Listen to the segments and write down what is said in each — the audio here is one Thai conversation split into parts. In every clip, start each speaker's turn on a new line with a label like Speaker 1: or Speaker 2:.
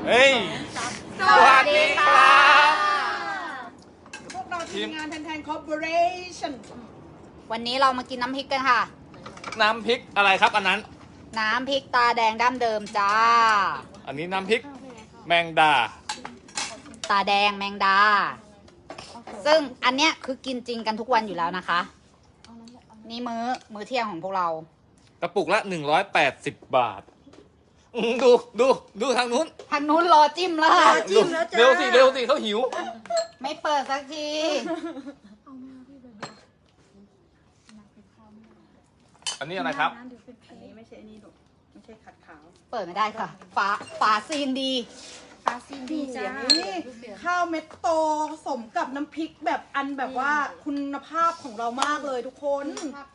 Speaker 1: เฮ้ยสวัสดีครับ
Speaker 2: พวกเราทีมงานแทนคอร์ปอเรชั่น
Speaker 3: วันนี้เรามากินน้ำพริกกันค่ะ
Speaker 1: น้ำพริกอะไรครับอันนั้น
Speaker 3: น้ำพริกตาแดงดั้มเดิมจ้า
Speaker 1: อันนี้น้ำพริกแมงดา
Speaker 3: ตาแดงแมงดา ซึ่งอันเนี้ยคือกินจริงกันทุกวันอยู่แล้วนะคะ นี่มื้อเที่ยงของพวกเรา
Speaker 1: กระปุกละ180 บาทดูทางนู้น
Speaker 3: ทางนู้นรอจิ้มแล้วค่ะ
Speaker 1: เร็วสิเขาหิว
Speaker 3: ไม่เปิดสักที
Speaker 1: อันนี้อะไรครับ
Speaker 2: อันนี้ไม่ใช่อันนี้หรอกไม่ใช่ขัดขาว
Speaker 3: เปิดไม่ได้ค่ะ ฝาซีนดี
Speaker 2: ปลาซีดีจ้านี่ข้าวเม็ดโตสมกับน้ำพริกแบบอันแบบว่าคุณภาพของเรามากเลยทุกคน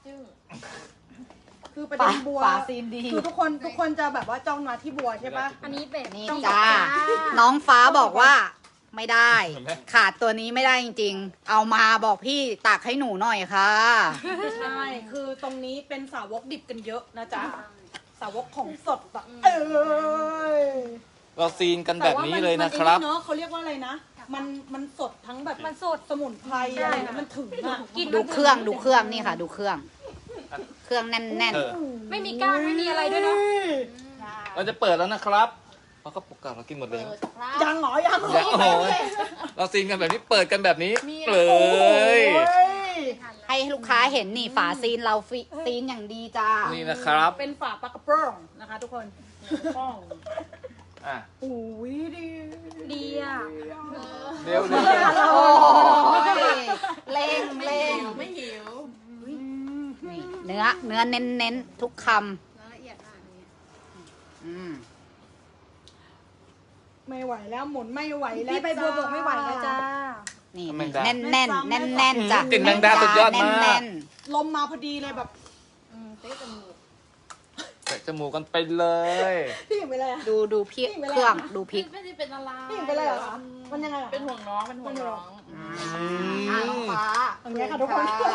Speaker 2: คือประเด็นบัว
Speaker 3: ฝาซีนดี
Speaker 2: คือทุกคนจะแบบว่าจ้องมาที่บัวใช่ปะ
Speaker 4: อันนี้แบบ
Speaker 3: นี่
Speaker 2: ต้อง
Speaker 3: จ้า
Speaker 2: บอก
Speaker 3: น้องฟ้าบอกว่าไม่ได้
Speaker 1: เห็นไหม
Speaker 3: ขาดตัวนี้ไม่ได้จริงๆ เอามาบอกพี่ตักให้หนูหน่อยค่ะ
Speaker 2: ใช่คือตรงนี้เป็นสาวกดิบกันเยอะนะจ๊ะสาวกของสดอะ
Speaker 1: เราซีนกันแบบนี้เลยนะครับ
Speaker 2: แต่ว่ามันเนอะเขาเรียกว่าอะไรนะ มันสดทั้งแบบมันสดสมุนไพรอะไรนะมันถึงอะ
Speaker 3: ดูเครื่องนี่ค่ะ ดูเครื่องแน่น
Speaker 1: เออ
Speaker 4: ไม่มีก้างไม่มีอะไรด้วยเนาะ
Speaker 1: เราจะเปิดแล้วนะครับเพราะกระปุกเก่าเรากินหมดเลย
Speaker 2: ยังเหรอยังเหร
Speaker 1: อย่า
Speaker 2: อ
Speaker 1: โอ้โหเราซีนกันแบบนี้เปิดกันแบบนี้เลย
Speaker 3: ๆ ให้ลูกค้าเห็นนี่ฝาซีนเราซีนอย่างดีจ้า
Speaker 1: นี่นะครับ
Speaker 2: เป็นฝาปลากระป๋องนะคะทุกคนป้อง
Speaker 1: อ่ะ
Speaker 2: โอ้ยดี
Speaker 4: ดีอ่ะ
Speaker 1: เร็ว
Speaker 3: โอ้ยเล่ง
Speaker 4: ไม่หิว
Speaker 3: นี่เนื้อเน้นทุกคำ
Speaker 4: ละเอียดมากเลย
Speaker 3: อืม
Speaker 2: ไม่ไหวแล้วหมุนไม่ไหวแล้ว
Speaker 4: พี่ใบบัวบอกไม่ไหวแล้วจ้า
Speaker 3: นี่
Speaker 1: แมงดา
Speaker 3: แน่นจ้ะ
Speaker 1: กลิ่นแมงดาสุดยอดมาก
Speaker 3: แน่น
Speaker 2: ลมมาพอดีเลยแบบ
Speaker 4: เต๊ะจมูก
Speaker 1: แตะจมูกกันไปเลย
Speaker 2: พี่หญิงไปเลยอะ
Speaker 3: ดูพริกเครื่องดูพริก
Speaker 4: ไม่ได้เป็นอะไร
Speaker 2: พี่หญิงไปเลยเหรอคะมันยังไงอะ
Speaker 4: เป็นห่วงน้องเป็นห่วงน้อง
Speaker 3: น้องฟ้า
Speaker 2: อย่างเงี้ยค่ะทุกคน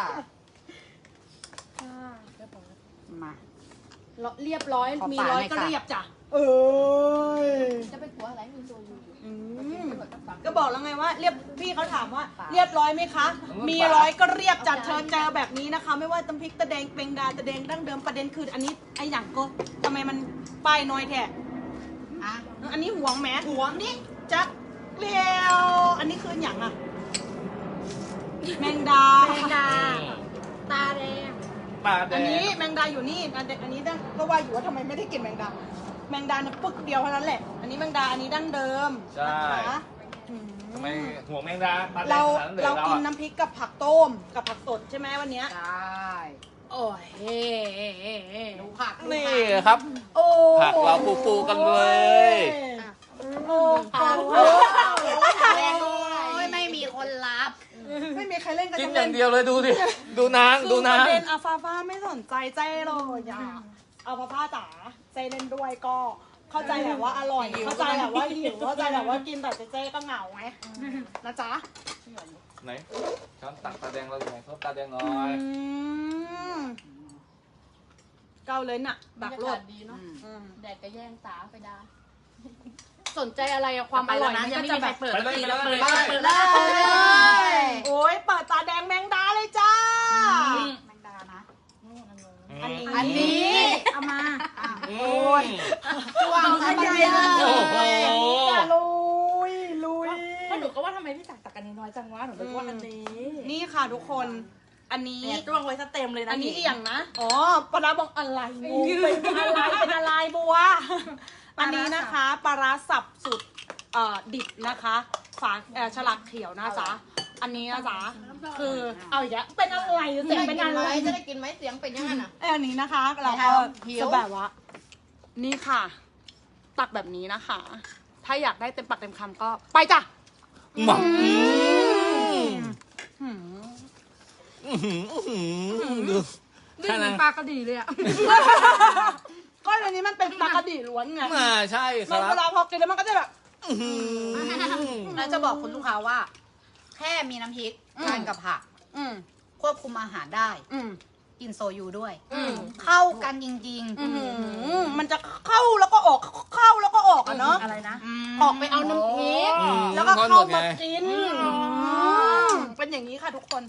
Speaker 3: มา
Speaker 2: เรียบร้อย
Speaker 3: ขอ
Speaker 2: มี
Speaker 3: ฝา
Speaker 2: ร้อย
Speaker 3: หน่อย
Speaker 2: ก็
Speaker 3: ค่ะ
Speaker 2: เรียบจ้ะเอ้ย
Speaker 4: จะเป็นหัวอะไรมีตัวอยู่
Speaker 2: ก็บอกแล้วไงว่าเรียบพี่เขาถามว่าเรียบร้อยไหมคะ มีร้อยก็เรียบจัดเธอเจอแบบนี้นะคะ ไม่ว่าตำพริกตะแดงเป็งดาตะแดงดั้งเดิมประเด็นคืออันนี้ไอ้หยังก็ทำไมมันป้ายน้อยแท้
Speaker 3: อ่ะ
Speaker 2: อันนี้ห่วงแหมห่วงนี่จักเรียวอันนี้คือหยังอะแมงดา
Speaker 4: แมงดา ตาแดง
Speaker 1: ปลาแด
Speaker 2: อันนี้
Speaker 1: ง
Speaker 2: แมงดาอยู่นี่อันนี้ก็ว่าอยู่ว่าทำไมไม่ได้กินแมงดาแมงดาเนี่ยปึกเดียวเท่านั้นแหละ อันนี้แมงดาอันนี้ดั้งเดิม
Speaker 1: ใช่
Speaker 2: นะคะอืม
Speaker 1: ทำไมห่วงแมงดาปลาแดง
Speaker 2: เรา
Speaker 1: ขนาดนั้นเลย
Speaker 2: เรา
Speaker 1: เรา
Speaker 2: กิน
Speaker 1: อะ
Speaker 2: น้ำพริกกับผักต้มกับผักสดใช่ไหมวันเนี้ย
Speaker 3: ใช่
Speaker 2: โอ้ย
Speaker 3: ดูผัก
Speaker 1: นี่ครับ
Speaker 2: โอ้
Speaker 1: ผักเราฟูๆกันเลย
Speaker 2: โอ้ผัก
Speaker 3: โอ้ยไม่มีคนรับ
Speaker 2: ไม่มีใครเล่นกัน
Speaker 1: กิน
Speaker 2: ทั้
Speaker 1: อย่างเดียวเลยดูดิดูนาง
Speaker 2: คือ
Speaker 1: ดู
Speaker 2: ป
Speaker 1: นาง
Speaker 2: ระเด็นอาฟาฟาไม่สนใจเจ้เลยอ่ะอาฟาฟาจ๋าเจ้เล่นด้วยก็เข้าใจแหละว่าอร่อยเข้าใจแหละว่าหิวเข้าใจแหละว่ากินแต่เจ้ก็เหงาไงนะจ๊ะ
Speaker 1: ไหนช้อนตักตาแดงเราอยู่ไหนเขาตาแดงหน่อย
Speaker 2: เกาเลยน่ะดักรวด
Speaker 4: ดีเนาะ แดดก็แย่งตาไปได้
Speaker 2: สนใจอะไรอะความอร่อยมันก็จะแบบ
Speaker 4: เปิด
Speaker 1: ไปเลย
Speaker 4: แล้ว
Speaker 1: ไป
Speaker 4: เปิด
Speaker 1: เลย
Speaker 4: เปิด
Speaker 3: เล
Speaker 4: แล้ว
Speaker 3: ย
Speaker 2: โอ้ยเปิดตาแดงแมงดาเลยจ้า
Speaker 3: แมงดานะ
Speaker 2: อันนี้
Speaker 4: เอามา
Speaker 1: โอ้ย
Speaker 3: จ้วงเข้าไปเลย
Speaker 1: โอ้โห
Speaker 2: ลุย
Speaker 4: เพราะหนูก็ว่าทำไมพี่ตักอันนี้น้อยจังวะหนูก็ว่าอันนี้
Speaker 2: นี่ค่ะทุกคนอันนี้
Speaker 4: เนี่ยจ้วงไว้ซะเต็มเลยนะ
Speaker 2: อันนี้อีกอย่างนะอ๋อปลาร้าบอกอะไรงูเป็นอะไรบัวอันนี้นะคะปลาร้าสับสุดดิบนะคะฝาฉลากเขียวนะจ๊ะอันนี้นะจ๊ะคือเอาอีกแล้วเป็นอะไรเสียงเป็นอะไร
Speaker 4: จะได้กินไหมเสียงเป็นยังไงน่ะ
Speaker 2: อันนี้นะคะเราก็จะแบบว่านี่ค่ะ ตักแบบนี้นะคะ ถ้าอยากได้เต็มปากเต็มคำก็ไปจ้ะ
Speaker 1: หมัก
Speaker 2: หืม
Speaker 1: ดู
Speaker 4: นี่เหมือนปลากระดีเลยอ่ะ
Speaker 2: ก็อันนี้มันเป็นปลากระดีล้วนไง
Speaker 1: ใช่ค
Speaker 2: มัน
Speaker 1: รั
Speaker 2: เว
Speaker 1: บ
Speaker 2: ลาพอกินแล้วมันก็จะแบบ
Speaker 3: แล้วจะบอกคุณลูกค้าว่า แค่มีน้ำพริกทานกับผัก
Speaker 2: อืม
Speaker 3: ควบคุมอาหารได้
Speaker 2: อืม
Speaker 3: กกินโซยูด้วย เข้ากันจริง
Speaker 2: มันจะเข้าแล้วก็ออกเข้าแล้วก็ออกอะเนาะ
Speaker 4: อะไรนะ
Speaker 2: ออกไปเอาน้ำพริก
Speaker 1: อืม
Speaker 2: แล้วก็เข้ามา
Speaker 1: ไง
Speaker 2: กินเป็นอย่างนี้ค่ะทุกคน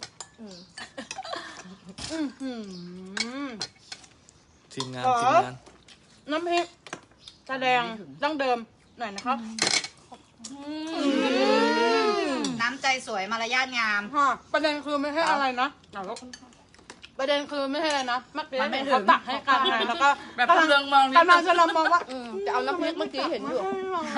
Speaker 1: ทีมงาน
Speaker 2: ขอ
Speaker 1: ทีมงาน
Speaker 2: น้ำพริกตาแดงดั้งเดิมหน่อยนะครับ
Speaker 3: ๆ น้ำใจสวยมารยาทงาม
Speaker 2: ประเด็นคือไม่ใช่อะไรนะประเด็นคือไม่ใช่อะไรนะเมื่อกี้
Speaker 4: มันไม่
Speaker 2: เห็น
Speaker 4: ถึ
Speaker 2: เขา
Speaker 4: ง
Speaker 2: ตักให้กันไงแล้วก็
Speaker 4: แบบเรืองมองนิด
Speaker 2: กำลัง
Speaker 4: นึง
Speaker 2: จะลองมองว่า
Speaker 4: จะเอาน้ำพริกเมื่อกี้เห็นอยู่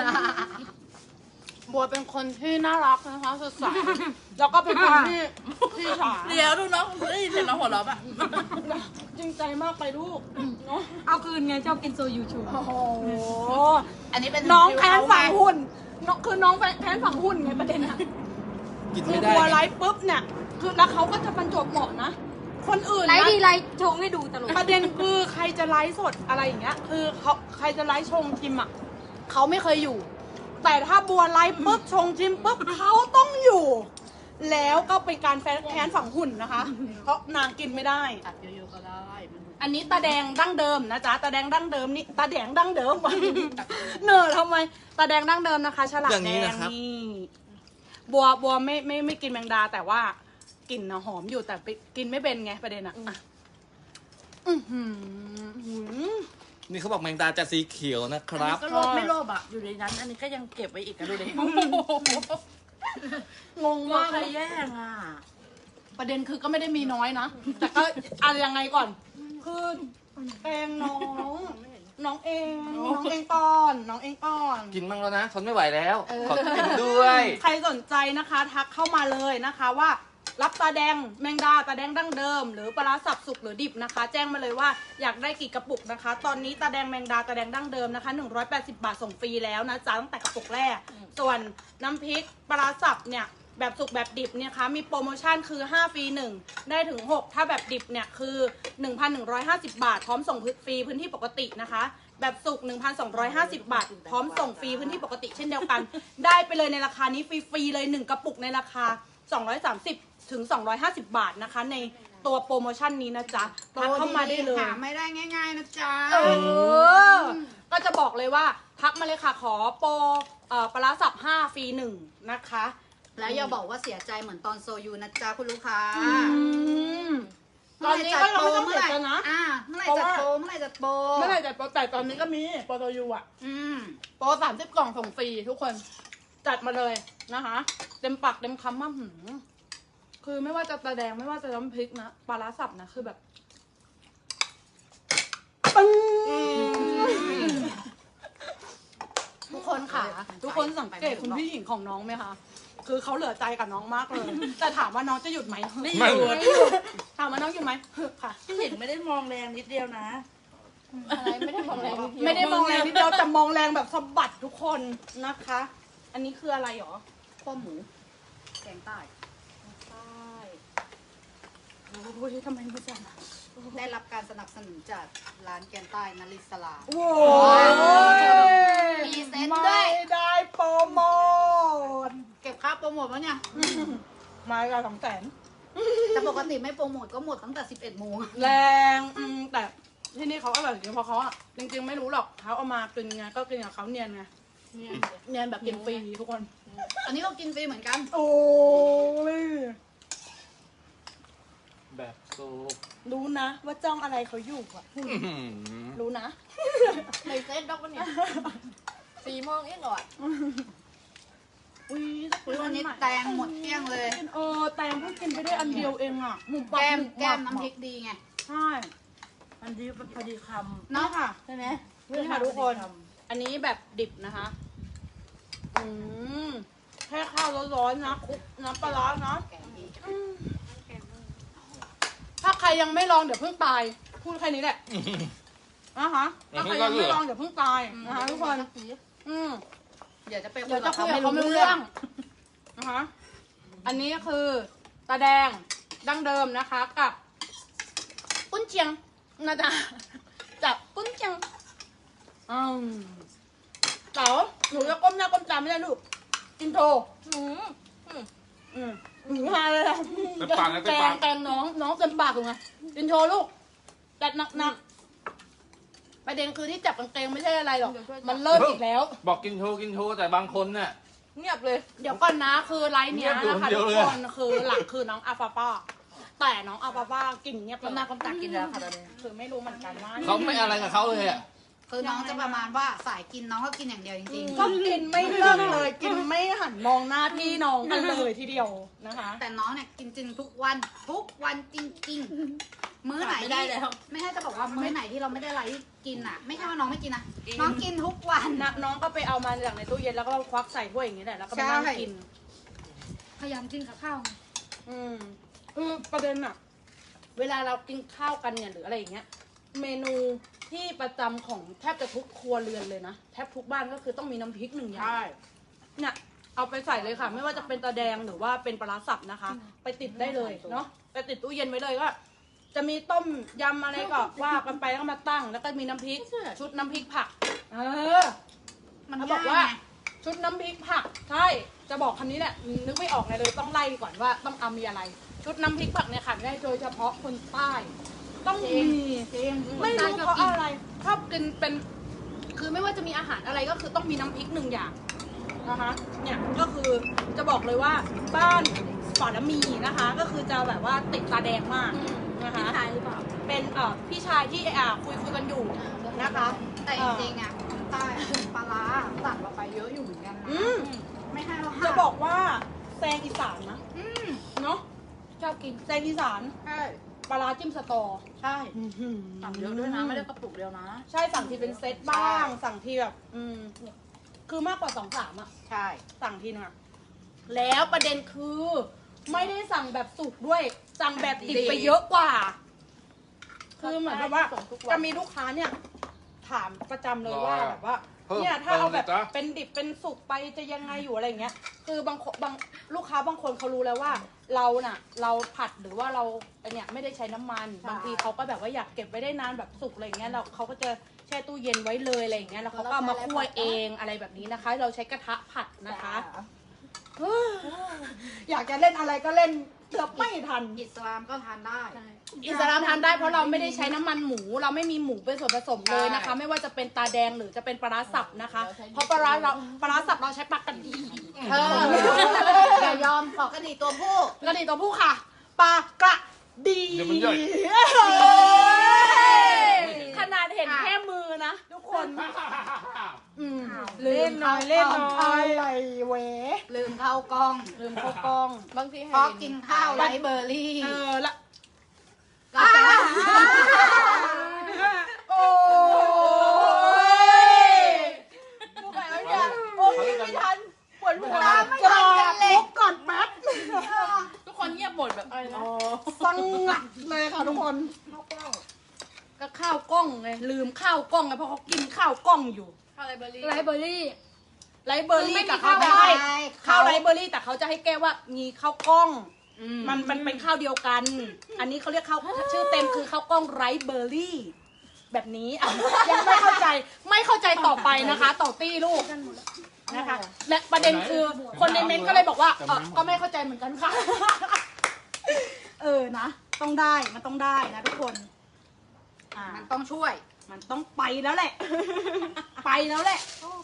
Speaker 2: บัวเป็นคนที่น่ารักนะคะสดใสแล้วก็เป็นคนที่ฉา
Speaker 4: เดี๋ยวดูน้องได้ยินเสียงน้องหัวเราะป่ะ
Speaker 2: จริงใจมากไปลูกเนาะ
Speaker 5: เอาคืนไงชอบกินโซยูชู
Speaker 2: โอ้โห
Speaker 3: อันนี้เป็น
Speaker 2: น้องแค้นฝังหุ่นน้องคือน้องแค้นฝังหุ่นไงประเด็นอะ
Speaker 1: กิน
Speaker 2: คื
Speaker 1: ไม่
Speaker 2: อ
Speaker 1: ได้
Speaker 2: บัว
Speaker 1: ไง
Speaker 2: ไลฟ์ปุ๊บเนี่ยคือแล้วเขาก็จะบรรจบเหมาะนะ คนอื่น
Speaker 5: ไล
Speaker 2: นะ
Speaker 5: ฟ์ดีไลฟ์ชงให้ดูตลก
Speaker 2: ประเด็นคือใครจะไลฟ์สดอะไรอย่างเงี้ย คือเขาใครจะไลฟ์ชงชิมอ่ะเขาไม่เคยอยู่ แต่ถ้าบัวไลฟ์ปุ๊บชงชิมปุ๊บเขาต้องอยู่ แล้วก็เป็นการแค้นฝังหุ่นนะคะ เพราะนางกินไม่ได้
Speaker 4: ตัดเยอะๆก็ได้มัน
Speaker 2: อันนี้ตาแดงดั้งเดิมนะจ๊ะตาแดงดั้งเดิมนี่ตาแดงดั้งเดิมวะเนอทำไมตาแดงดั้งเดิมนะคะฉลาก
Speaker 1: อย่าง
Speaker 2: แด
Speaker 1: นี้
Speaker 2: ง
Speaker 1: นะครับ
Speaker 2: นี่บัวไม่กินแมงดาแต่ว่ากลิ่นนะหอมอยู่แต่กินไม่เป็นไงประเด็นอะอ่ะอื้อหือ
Speaker 1: นี่เขาบอกแมงดาจะสีเขียวนะครับ
Speaker 4: ก็โลภไม่โลภอ่ะ อยู่ในนั้น อันนี้ก็ยังเก็บไว้อีกอะดูดิ
Speaker 2: งง
Speaker 4: ว่าม
Speaker 2: าก
Speaker 4: ใคร
Speaker 2: เลย
Speaker 4: แย่งอ่ะ
Speaker 2: ประเด็นคือก็ไม่ได้มีน้อยนะ แต่ก็อะไรยังไงก่อน คือแปงน้องเองก่อนน้องเองก่อน
Speaker 1: กินมั่งแล้วนะทนไม่ไหวแล้ว ขอกินด้วย
Speaker 2: ใครสนใจนะคะทักเข้ามาเลยนะคะว่า รับตาแดงแมงดาตาแดงดั้งเดิม หรือปลาร้าสับสุกหรือดิบนะคะ แจ้งมาเลยว่าอยากได้กี่กระปุกนะคะ ตอนนี้ตาแดงแมงดาตาแดงดั้งเดิมนะคะ180 บาทส่งฟรีแล้วนะจ๊ะตั้งแต่กระปุกแรก ส่วนน้ำพริกปลาร้าสับเนี่ยแบบสุกแบบดิบเนี่ยคะมีโปรโมชั่นคือ5ฟรี1ได้ถึง6ถ้าแบบดิบเนี่ยคือ 1,150 บาท พร้อมส่งฟรีพื้นที่ปกตินะคะ แบบสุก 1,250 บาท พร้อมส่งฟรีพื้นที่ปกติเช่นเดียวกัน ได้ไปเลยในราคานี้ฟรีๆเลย1กระปุกในราคา230ถึง250 บาทนะคะ ในตัวโปรโมชั่นนี้นะจ๊ะทักเข้ามาได้เลย
Speaker 3: หาไม่ได้ง่ายๆนะจ๊ะ
Speaker 2: ก็จะบอกเลยว่าทักมาเลยค่ะขอโปรปลาร้าสับ5ฟรี1นะคะ
Speaker 3: แล้วอย่าบอกว่าเสียใจเหมือนตอนโซยูนะจ๊ะคุณลูกค้า
Speaker 2: ตอนนี้ก็ยังไม่ต้อง
Speaker 3: เมื่
Speaker 2: เสี
Speaker 3: อย ไหร่
Speaker 2: ใจนะ
Speaker 3: เมื่อไหร่จัดโปรเมื่อไหร่จัดโปร
Speaker 2: เมื่อไหร่จะโปรแต่ตอนนี้ก็มีโปรโตยูอ่ะ
Speaker 3: อืม
Speaker 2: โปร30 กล่องส่งฟรีทุกคนจัดมาเลยนะคะ เต็มปากเต็มคำมากคือไม่ว่าจะตาแดงไม่ว่าจะน้ำพริกนะปลาร้าสับนะคือแบบปึ้งทุกคนค่ะ ทุกคนสังเกตคุณพี่หญิงของน้องไหมคะ คือเขาเหลือใจกับน้องมากเลย แต่ถามว่าน้องจะหยุดไหม
Speaker 4: ไม่
Speaker 1: ไม่
Speaker 4: หยุด
Speaker 2: ถามว่าน้องหยุดไหมค่ะ
Speaker 4: พี่หญิงไม่ได้มองแรงนิดเดียวนะ
Speaker 2: ไม่ได้มองแรงนิดเดียวแต่มองแรงแบบสะบัดทุกคนนะคะ อันนี้คืออะไรหรอ
Speaker 3: ข้อหมูแกงใต้
Speaker 2: ใช่โอ้ยทำไมไม่จัง
Speaker 3: ได้รับการสนับสนุนจากร้านแกงใต้นลิสลา
Speaker 2: โว้ย
Speaker 3: มีเซ็นด้วย
Speaker 2: ไม่ได้โปรโมท
Speaker 3: เก็บค่าโปรโมทวะเนี่ย
Speaker 2: มากับ200,000
Speaker 3: แต่ปกติไม่โปรโมทก็หมดตั้งแต่ 11 โมง
Speaker 2: แรงแต่ที่นี่เขาอร่อยจริงเพราะเขาอะจริงๆไม่รู้หรอกเขาเอามากินไงก็กินกับเขาเนียนไงเนียนแบบกินฟรีทุกคน
Speaker 3: อันนี้ก็กินฟรีเหมือนกัน
Speaker 2: โอ้ย
Speaker 1: แบบซุป
Speaker 2: รู้นะว่าจ้องอะไรเขาอยู่อะ
Speaker 1: อื้อหือ
Speaker 2: รู้นะ
Speaker 4: ในเซตด็อกวะเนี่ย4 โมงเองเหรอ
Speaker 2: อุ้ย
Speaker 3: อุ๊ยวันนี้แตงหมดเกลี้ยงเลย
Speaker 2: แตงเพิ่งกินไปได้อันเดียวเองอะหมุมปับ
Speaker 3: แก้ม
Speaker 2: หมุบ
Speaker 3: แก้ม
Speaker 2: ปับ
Speaker 3: น้ำพริกดีไง
Speaker 2: ใช่
Speaker 4: อันนี้พอดีค
Speaker 2: เนาะค่ะ
Speaker 4: ำใช่ไหม
Speaker 2: นี่ค่ะทุกคน อันนี้แบบดิบนะคะ แค่ข้าวร้อนๆนะคลุกน้ำปลาร้านะ
Speaker 3: แกงดี
Speaker 2: ถ้าใครยังไม่ลองเดี๋ยวเพิ่งตาย พูดแค่นี้แหละนะคะถ้าใครยังไม่ลองเดี๋ยวเพิ่งตายนะคะทุกคน
Speaker 3: เดี๋ยวจะไป
Speaker 2: เดี๋ยวจะคุย
Speaker 3: เขา
Speaker 2: กับเขาไม่รู้เรื่องนะคะ อันนี้คือตาแดงดั้งเดิมนะคะกับกุ้นเชียงนะจ๊ะจับกุ้นเชียงเต๋าหนูจะก้มหน้าก้มตาไม่ได้ลูกกินโทมาเลยอะ
Speaker 1: เต็มปากเลยเต็มปาก
Speaker 2: แกงน้องเต็มปากเลยไงกินโชว์ลูกจัดหนักประเด็นคือที่จับกางเกงไม่ใช่อะไรหรอกมันเลิศอีกแล้ว
Speaker 1: บอกกินโชว์แต่บางคนเนี่ย
Speaker 4: เงียบเลย
Speaker 2: เดี๋ยวก่อนนะคือไลฟ์เนี้ยนะคะ
Speaker 1: เงียบอยู่
Speaker 2: ทุ
Speaker 1: คน
Speaker 2: ก
Speaker 1: เดียว
Speaker 2: คนคือหลักคือน้องอาฟาป้าแต่น้องอาฟาป้ากินเงียบ
Speaker 4: กำหน้ากำตากินแล้วค่ะตอนนี้
Speaker 2: คือไม่รู้เหมือนกันว่า
Speaker 1: เขาไม่อะไรกับเขาเลยอ่ะ
Speaker 3: คือน้องจะประมาณว่าสายกินน้องก็กินอย่างเดียวจริง
Speaker 2: ก็กินไม่เลิกเลยกินไม่หันมองหน้าพี่น้องกันเลยทีเดียวนะคะ
Speaker 3: ๆ แต่น้องเนี่ยกินจริงทุกวันจริงๆ มื้อไหน
Speaker 4: ไม่ได้แล้ว
Speaker 3: ไม่ให้จะบอกว่ามื้อไหนที่เราไม่ได้อะไรกินอ่ะ ไม่ใช่ว่าน้องไม่กินนะน้องกินทุกวัน
Speaker 2: น้องก็ไปเอามาจากในตู้เย็นแล้วก็ควักใส่ถ้วยอย่างนี้แหละแล้วก็มานั่ง
Speaker 3: ใช่
Speaker 2: กิน
Speaker 5: พยายามกินกับข้าวไง
Speaker 2: คือประเด็นอะเวลาเรากินข้าวกันเนี่ยหรืออะไรอย่างเงี้ย เมนูที่ประจำของแทบจะทุกครัวเรือนเลยนะแทบทุกบ้านก็คือต้องมีน้ำพริกหนึ่งอย่างเนี่ยเอาไปใส่เลยค่ะ ไม่ว่าจะเป็นตาแดงหรือว่าเป็นปลาร้าสับนะคะ ไปติดได้เลยเนาะไปติดตู้เย็นไว้เลยก็จะมีต้มยำอะไรก็ว่ากันไปแล้วก็มาตั้ง แล้วก็มีน้ำพริกชุดน้ำพริกผักมัน
Speaker 3: เขา
Speaker 2: บบ อ
Speaker 3: อก ก
Speaker 2: ว่า
Speaker 3: ว่า
Speaker 2: ชุดน้ำพริกผักใช่จะบอกคำนี้แหละนึกไม่ออกเลยต้องไล่ก่อนว่าต้องเอามีอะไร ชุดน้ำพริกผักเนี่ยค่ะได้โดยเฉพาะคนใต้ต้องมีไม่รู้เพราะอะไรชอบกินเป็นคือไม่ว่าจะมีอาหารอะไรก็คือต้องมีน้ำพริกหนึ่งอย่างนะคะเนี่ยก็คือจะบอกเลยว่าบ้านฝาละมีนะคะ ก็คือจะแบบว่าติดตาแดงมากนะคะ
Speaker 5: พี่ชายหรือเปล่า
Speaker 2: เป็นพี่ชายที่คุยกันอยู่นะคะ
Speaker 3: แต่จริงๆอ่ะคนใต้ปลาร้าสั่งเราไปเยอะอยู่เหมือนกันนะ
Speaker 2: อืม
Speaker 3: ไม่ให้เรา
Speaker 2: จะบอกว่าแซงอีสานนะเนาะ
Speaker 5: ชอบกิน
Speaker 2: แซงอีสาน
Speaker 3: ใช่
Speaker 2: ปลาร้าจิ้มสตอ
Speaker 3: ใช่
Speaker 4: สั่งเยอะด้วยนะ ไม่ได้กระปุกเดียวนะ
Speaker 2: ใช่สั่งทีเป็นเซตบ้าง สั่งทีแบบคือมากกว่า2-3อ่ะ
Speaker 3: ใช่
Speaker 2: สั่งทีนึงอะแล้วประเด็นคือไม่ได้สั่งแบบสุกด้วย สั่งแบบดิบไปเยอะกว่า คือเหมือนแบบว่า
Speaker 4: ส่งทุกวัน
Speaker 2: จะมีลูกค้าเนี่ย ถามประจำเลยว่าแบบว่า
Speaker 1: เพิ่ม
Speaker 2: เนี่ยถ้าเอาแบบ
Speaker 1: เพิ่มเลยจ๊ะ
Speaker 2: เป็นดิบเป็นสุกไปจะยังไงอยู่อะไรอย่างเงี้ย คือบางลูกค้าบางคนเขารู้แล้วว่า เราผัดหรือว่าเราเนี่ยไม่ได้ใช้น้ำมัน บางทีเขาก็แบบว่าอยากเก็บไว้ได้นานแบบสุกอะไรอย่างเงี้ยเราเขาก็จะแช่ตู้เย็นไว้เลยอะไรอย่างเงี้ยแล้วเขาก็เอามาคั่วเองอะไรแบบนี้นะคะ เราใช้กระทะผัดนะคะ อยากจะเล่นอะไรก็เล่นเกือบไม่ทัน
Speaker 3: อิสลามก็ทานได้
Speaker 2: อิสลามทานได้เพราะเราไม่ได้ใช้น้ำมันหมู เราไม่มีหมูเป็นส่วนผสมเลยนะคะ ไม่ว่าจะเป็นตาแดงหรือจะเป็นปลาร้าสับนะคะ เพราะปลาร้าสับเราใช้ปลากระดี
Speaker 3: อย่ายอมขอกระดีตัวผู้
Speaker 2: กระดีตัวผู้ค่ะปลากระดี
Speaker 1: เดี๋ยวมันย่อย
Speaker 2: ขนาดเห็นแค่มือนะทุกคน
Speaker 3: เล่นน้อย
Speaker 2: อะไรเว
Speaker 3: ลืมเข้ากล้อง
Speaker 2: ลืมเข้ากล้อง
Speaker 4: บางที
Speaker 3: เพราะกินข้าวไรเบอร์รี่
Speaker 2: ละ
Speaker 3: กาแฟ
Speaker 2: โอ้ยพูดไปแล้วเนี่ยโอ้ยไม่ทันปวดหัวลุกก่อนแป๊บ
Speaker 4: ทุกคนเงียบหมดแบบอะไรนะ
Speaker 2: สังงัดเลยค่ะทุกคนก็ข้าวกล้องไงลืมข้าวกล้องไงเพราะเขากินข้าวกล้องอยู่
Speaker 4: ข้าวไรเบอร์รี่
Speaker 5: ไรเบอร์รี่
Speaker 2: ไรเบอร์รี่แต่เขาจะให้ข้าวไรเบอร์รี่แต่เขาจะให้แก้ว่ามีข้าวกล้อง มันเป็นข้าวเดียวกัน อันนี้เขาเรียกข้าวชื่อเต็มคือข้าวกล้องไรเบอร์รี่ แบบนี้อ่ะยังไม่เข้าใจต่อไปนะคะ ต่อตี้ลูกนะคะ และประเด็นคือคนในเมนต์ก็เลยบอกว่าก็ไม่เข้าใจเหมือนกันค่ะ นะต้องได้มันต้องได้นะทุกคน
Speaker 3: มันต้องช่วย
Speaker 2: มันต้องไปแล้วแหละ ไปแล้วแหละ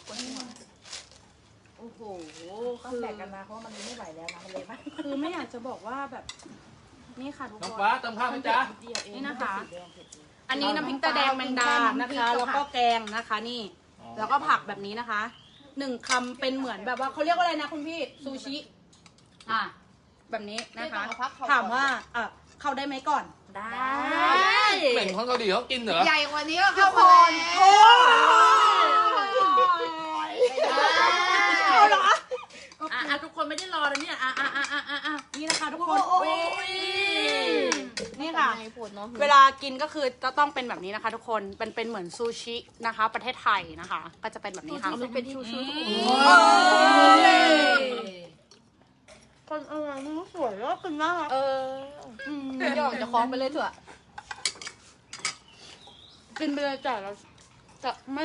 Speaker 3: โอ้โห
Speaker 4: ต้องแบ่งกันนะเพราะว่ามันไม่ไหวแล้วนะมันเลยมาก
Speaker 2: คือไม่อยากจะบอกว่าแบบ นี่ค่ะทุก
Speaker 1: น้อง
Speaker 2: คน
Speaker 1: ฟ้าเติมข้าวไหมจ๊ะ
Speaker 2: นี่นะคะ อันนี้น้ำพริกตาแดงแมงดานะคะ แล้วก็แกงนะคะนี่ แล้วก็ผักแบบนี้นะคะ1 คำเป็นเหมือนแบบว่าเขาเรียกว่าอะไรนะคุณพี่ซูชิแบบนี้นะคะ ถามว่าเข้าได้ไหมก่อน
Speaker 3: ได้
Speaker 1: เหม็นคนเกาหลีเขากินเหรอ
Speaker 3: ใหญ่กว่านี้ก็เข้ามาแล้ว
Speaker 2: เอาเหรอ
Speaker 4: ทุกคนไม่ได้รอแล้วเนี่ย
Speaker 2: นี่นะคะทุกคนนี่ค่ะ เวลากินก็คือจะต้องเป็นแบบนี้นะคะ ทุกคนเป็นเหมือนซูชินะคะ ประเทศไทยนะคะ ก็จะเป็นแบบนี้ค่ะ
Speaker 5: มันเป็นชูชู
Speaker 2: คนมันสวยแล้วคุณน่ารัก
Speaker 4: หยอกจะคล้องไปเลยเถอะ
Speaker 2: กินไปเลยแต่เราจะไม่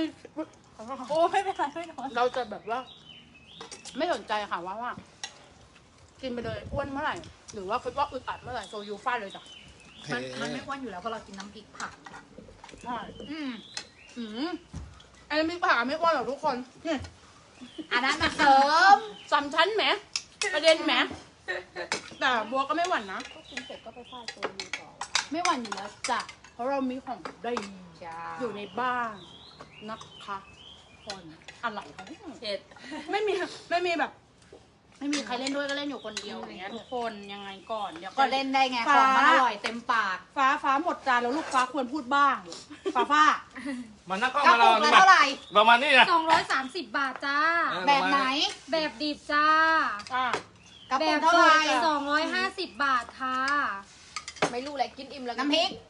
Speaker 4: โอ้ไม่เป็นไรไม่นอน
Speaker 2: เราจะแบบว่า ไม่สนใจค่ะว่ากินไปเลยอ้วนเมื่อไหร่หรือว่าคิดว่าอึดอัดเมื่อไหร่โซยูฟาดเลยจ้ะ
Speaker 3: มันไม่อ้วนอยู่แล้วเพราะเรากินน้ำพริกผัก
Speaker 2: ใช่
Speaker 3: อืม
Speaker 2: อันนี้พี่ผ่าไม่อ้วนหรอกทุกคนนี่
Speaker 3: อันนั้นมาเสริม
Speaker 2: สามชั้นแหมประเด็นแหมแต่บัวก็ไม่หวั่นนะ
Speaker 4: กินเสร็จก็ไปฟาดตัวยูต่อ
Speaker 2: ไม่หวั่นอยู่แล้วจ้ะเพราะเรามีของดี
Speaker 3: จ้า
Speaker 2: อยู่ในบ้านนะคะคนอะไรของ
Speaker 4: เผ็ด
Speaker 2: ไม่มีแบบ ไม่มีใครเล่นด้วยก็เล่นอยู่คนเดียวอย่างเงี้ยทุกคนยังไงก่อนเดี๋ยว
Speaker 3: ก็เล่นได้ไง
Speaker 2: ฟ้า
Speaker 3: ของมันอร่อยเต็มปาก
Speaker 2: ฟ้าหมดจานแล้วลูกฟ้าควรพูดบ้างฟ้า
Speaker 1: มันนักกล้อง
Speaker 3: กระ
Speaker 1: มาเรา
Speaker 3: ปุกละเท่าไหร่
Speaker 1: ประมาณนี้นะ
Speaker 5: 230 บาทจ้า
Speaker 3: แบบไหน
Speaker 5: แบบดิบจ้า
Speaker 2: อ่ะ
Speaker 3: กระ
Speaker 5: แบ
Speaker 3: ปุก
Speaker 5: บ
Speaker 3: เท่าไหร่
Speaker 5: 250 บาทค่ะ
Speaker 4: ไม่รู้อะไรกินอิ่มแล้ว
Speaker 3: น้ำพริก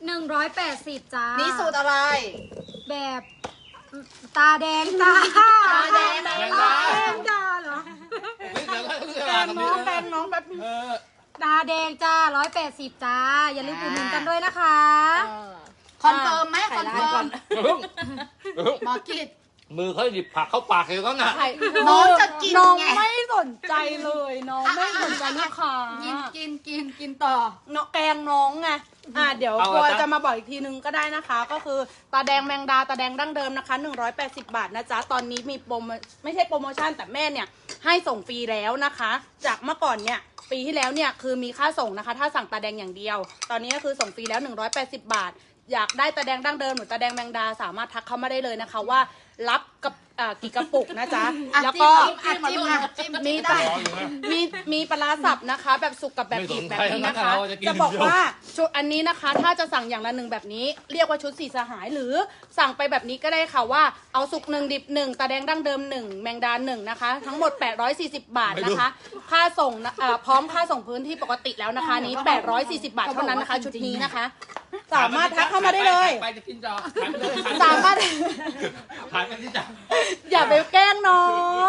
Speaker 5: 180จ้า
Speaker 3: นี่สูตรอะไร
Speaker 5: แบบตาแดงจ้า
Speaker 3: ตาแดง
Speaker 1: แมงดา
Speaker 5: แดงจ้าเหรอ
Speaker 2: แกงน้องแบบ
Speaker 1: เออ
Speaker 5: ตาแดงจ้า180จ้า อย่าลืมอุดหนุนกันด้วยนะคะ
Speaker 3: คอนเฟิร์มไหมคอนเฟิร์ม
Speaker 1: อย่าเพิ่ง
Speaker 3: หมอกิด
Speaker 1: มือเขาหยิบผักเข้าปากเลยก็น่ะ
Speaker 3: น้องจะกิน
Speaker 2: น้อง
Speaker 3: ไง
Speaker 2: ไม่สนใจเลยน้องไม่สนใจลูกค้า
Speaker 3: กินต่อ
Speaker 2: เนาะแกงน้องไงเดี๋ยวกลัวจะมาบอกอีกทีนึงก็ได้นะคะ ก็คือตาแดงแมงดาตาแดงดั้งเดิมนะคะ180 บาทนะจ๊ะตอนนี้มีโปรโมไม่ใช่โปรโมชั่นแต่แม่เนี่ยให้ส่งฟรีแล้วนะคะ จากเมื่อก่อนเนี่ยปีที่แล้วเนี่ยคือมีค่าส่งนะคะ ถ้าสั่งตาแดงอย่างเดียว ตอนนี้ก็คือส่งฟรีแล้ว180 บาท อยากได้ตาแดงดั้งเดิมหรือตาแดงแมงดาสามารถทักเข้ามาได้เลยนะคะว่ารับกับกี่กระปุกนะจ๊ะ แล้วก็
Speaker 3: จิ้ม
Speaker 2: มี
Speaker 3: ได้
Speaker 2: มีปลาร้าสับนะคะ แบบสุกกับแบบดิบแบบนี้นะคะ จะบอกว่าชุดอันนี้นะคะ ถ้าจะสั่งอย่างละหนึ่งแบบนี้ เรียกว่าชุดสี่สหายหรือสั่งไปแบบนี้ก็ได้ค่ะว่าเอาสุกหนึ่งดิบหนึ่งตาแดงดั้งเดิมหนึ่งแมงดาหนึ่งนะคะ ทั้งหมด840 บาทนะคะ ค่าส่งพร้อมค่าส่งพื้นที่ปกติแล้วนะคะนี้840 บาทเท่านั้นนะคะ ชุดนี้นะคะ สามารถทักเข้ามาได้เลย
Speaker 1: ไปจะกินจอ
Speaker 2: สามารถ
Speaker 1: ขายไปที่จอ
Speaker 2: อย่าไปแกล้งน้อง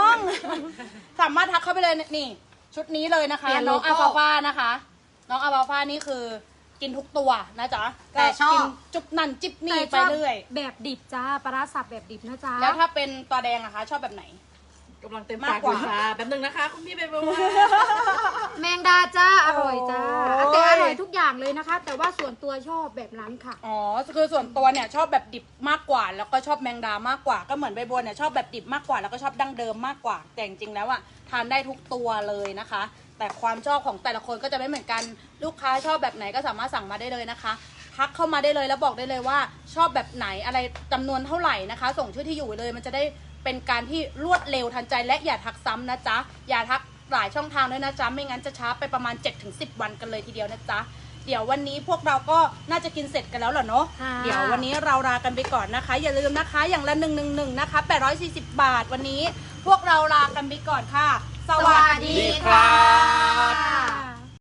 Speaker 2: สามารถทักเข้าไปเลยนี่ ชุดนี้เลยนะคะ
Speaker 3: เปลี่ยน
Speaker 2: น้อง
Speaker 3: โลโก้
Speaker 2: อาฟาฟานะคะ น้องอาฟาฟานี่คือกินทุกตัวนะจ๊ะ
Speaker 3: แต่ชอบ
Speaker 2: กินจุบนั่นจิบนี่ไปเรื่อย
Speaker 5: แบบดิบจ้าปลาร้าสับแบบดิบนะจ๊ะ
Speaker 2: แล้วถ้าเป็นตัวแดงอะคะ ชอบแบบไหน
Speaker 4: กำลังเต็ม
Speaker 2: มาก
Speaker 4: ปาก
Speaker 2: กว่า
Speaker 4: อยู่ค่ะแป๊บนึงนะคะ คุณพี่เบเบว่า
Speaker 5: แมงดาจ้าอร่อยจ้า
Speaker 2: โอ้ย
Speaker 5: แต่อร่อยทุกอย่างเลยนะคะ แต่ว่าส่วนตัวชอบแบบนั้นค่ะ
Speaker 2: อ๋อ คือส่วนตัวเนี่ยชอบแบบดิบมากกว่า แล้วก็ชอบแมงดามากกว่า ก็เหมือนใบบัวเนี่ยชอบแบบดิบมากกว่า แล้วก็ชอบดั้งเดิมมากกว่า แต่จริงๆแล้วอะทานได้ทุกตัวเลยนะคะ แต่ความชอบของแต่ละคนก็จะไม่เหมือนกัน ลูกค้าชอบแบบไหนก็สามารถสั่งมาได้เลยนะคะ ทักเข้ามาได้เลยแล้วบอกได้เลยว่าชอบแบบไหนอะไรจำนวนเท่าไหร่นะคะ ส่งชื่อที่อยู่เลยมันจะได้เป็นการที่รวดเร็วทันใจและอย่าทักซ้ำนะจ๊ะ อย่าทักหลายช่องทางด้วยนะจ๊ะ ไม่งั้นจะช้าไปประมาณ 7-10 วันกันเลยทีเดียวนะจ๊ะ เดี๋ยววันนี้พวกเราก็น่าจะกินเสร็จกันแล้วเหรอเนาะ
Speaker 5: ค่ะ
Speaker 2: เดี๋ยววันนี้เราลากันไปก่อนนะคะ อย่าลืมนะคะอย่างละ111นะคะ840 บาทวันนี้ พวกเราลากันไปก่อนค่ะ สวัสดีค่ะ